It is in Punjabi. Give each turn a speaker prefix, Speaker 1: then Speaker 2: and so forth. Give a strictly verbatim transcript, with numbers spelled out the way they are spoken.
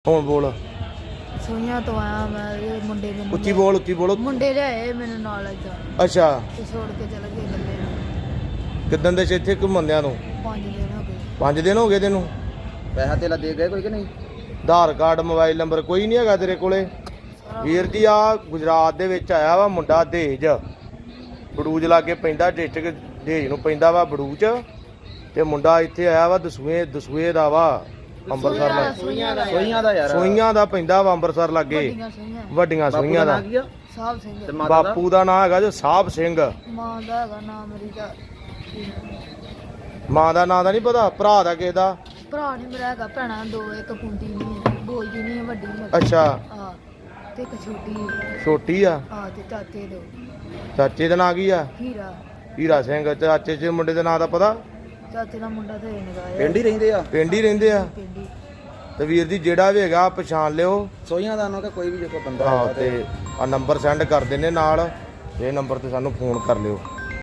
Speaker 1: ਹੁਣ ਬੋਲ
Speaker 2: ਸੋਈਆਂ ਤੋਂ ਆਇਆ ਮੈਂ ਇਹ ਮੁੰਡੇ ਮੈਨੂੰ
Speaker 1: ਉੱਚੀ ਬੋਲ ਉੱਚੀ ਬੋਲੋ
Speaker 2: ਮੁੰਡੇ ਲਿਆਏ ਮੈਨੂੰ ਨਾਲ ਏਦਾਂ
Speaker 1: ਅੱਛਾ
Speaker 2: ਤੇ ਛੋੜ ਕੇ ਚਲੇ ਗਏ ਗੱਲੇ ਨੂੰ।
Speaker 1: ਕਿੱਦਣ ਦੇ ਇੱਥੇ ਘੁੰਮਦਿਆਂ ਨੂੰ
Speaker 2: ਪੰਜ ਦਿਨ ਹੋ ਗਏ।
Speaker 1: ਪੰਜ ਦਿਨ ਹੋ ਗਏ ਤੈਨੂੰ
Speaker 3: ਪੈਸਾ ਤੇਲਾ ਦੇ ਗਏ ਕੋਈ ਕਿ ਨਹੀਂ?
Speaker 1: ਆਧਾਰ ਕਾਰਡ ਮੋਬਾਈਲ ਨੰਬਰ ਕੋਈ ਨਹੀਂ ਹੈਗਾ ਤੇਰੇ ਕੋਲੇ? ਵੀਰ ਜੀ ਆ ਗੁਜਰਾਤ ਦੇ ਵਿੱਚ ਆਇਆ ਵਾ ਮੁੰਡਾ ਦਹੇਜ ਬੜੂਜ ਲਾਗੇ ਪੈਂਦਾ ਡਿਸਟ੍ਰਿਕਟ ਦਹੇਜ ਨੂੰ ਪੈਂਦਾ ਵਾ ਬੜੂਚ ਤੇ ਮੁੰਡਾ ਇੱਥੇ ਆਇਆ ਵਾ ਦਸੂਏ ਦਸੂਏ ਦਾ ਵਾ ਅੰਮ੍ਰਿਤਸਰ ਲਾ
Speaker 2: ਸੋਈਆਂ ਦਾ
Speaker 3: ਸੋਈਆਂ ਦਾ ਯਾਰ
Speaker 1: ਸੋਈਆਂ ਦਾ ਪੈਂਦਾ ਵਾ ਅੰਮ੍ਰਿਤਸਰ ਲਾਗੇ
Speaker 2: ਵੱਡੀਆਂ ਸੋਈਆਂ
Speaker 1: ਵੱਡੀਆਂ
Speaker 3: ਬਾਪੂ
Speaker 1: ਸੋਈਆਂ ਦਾ
Speaker 3: ਨਾਂ ਕੀ ਆ?
Speaker 2: ਸਾਹਿਬ ਸਿੰਘ
Speaker 3: ਤੇ ਮਾਤਾ ਦਾ?
Speaker 1: ਬਾਪੂ ਦਾ ਨਾਂ ਹੈਗਾ ਜੋ ਸਾਹਿਬ ਸਿੰਘ।
Speaker 2: ਮਾਂ ਦਾ ਹੈਗਾ ਨਾਮ ਮੇਰੀ ਦਾ
Speaker 1: ਮਾਂ ਦਾ ਨਾਂ ਦਾ ਨਹੀਂ ਪਤਾ? ਭਰਾ ਦਾ ਕਿਸੇ ਦਾ?
Speaker 2: ਭਰਾ ਨਹੀਂ ਮੇਰਾ ਹੈਗਾ, ਭੈਣਾਂ ਦੋ, ਇੱਕ ਕੁੰਡੀ ਨਹੀਂ ਬੋਲਦੀ ਨਹੀਂ ਵੱਡੀ ਮੇਰੀ।
Speaker 1: ਅੱਛਾ
Speaker 2: ਆ ਤੇ ਇੱਕ ਛੋਟੀ ਹੈ।
Speaker 1: ਛੋਟੀ ਆ।
Speaker 2: ਆ ਤੇ ਚਾਚੇ ਦੋ
Speaker 1: ਚਾਚੇ ਦਾ ਨਾਂ ਕੀ ਆ?
Speaker 2: ਹੀਰਾ।
Speaker 1: ਹੀਰਾ ਸਿੰਘ। ਚਾਚੇ ਦੇ ਮੁੰਡੇ ਦਾ ਨਾਂ ਦਾ ਪਤਾ?
Speaker 2: ਚਾਚੇ ਦਾ ਮੁੰਡਾ ਤੇ ਨਗਾਇਆ
Speaker 3: ਪਿੰਡ ਹੀ ਰਹਿੰਦੇ ਆ?
Speaker 1: ਪਿੰਡ ਹੀ ਰਹਿੰਦੇ ਆ।
Speaker 2: ਪਿੰਡੀ।
Speaker 1: ਤੇ ਵੀਰ ਜੀ ਜਿਹੜਾ ਵੀ ਹੈਗਾ ਪਛਾਣ ਲਿਓ।
Speaker 3: ਸੋਈਆਂ ਦਾ ਨਾ ਕਿ ਕੋਈ ਵੀ ਜੇ ਕੋਈ ਬੰਦਾ
Speaker 1: ਹਾਂ
Speaker 3: ਹੈਗਾ
Speaker 1: ਤੇ ਆ ਨੰਬਰ ਸੈਂਡ ਕਰ ਦਿੰਨੇ ਨਾਲ, ਇਹ ਨੰਬਰ ਤੇ ਸਾਨੂੰ ਫੋਨ ਕਰ ਲਿਓ।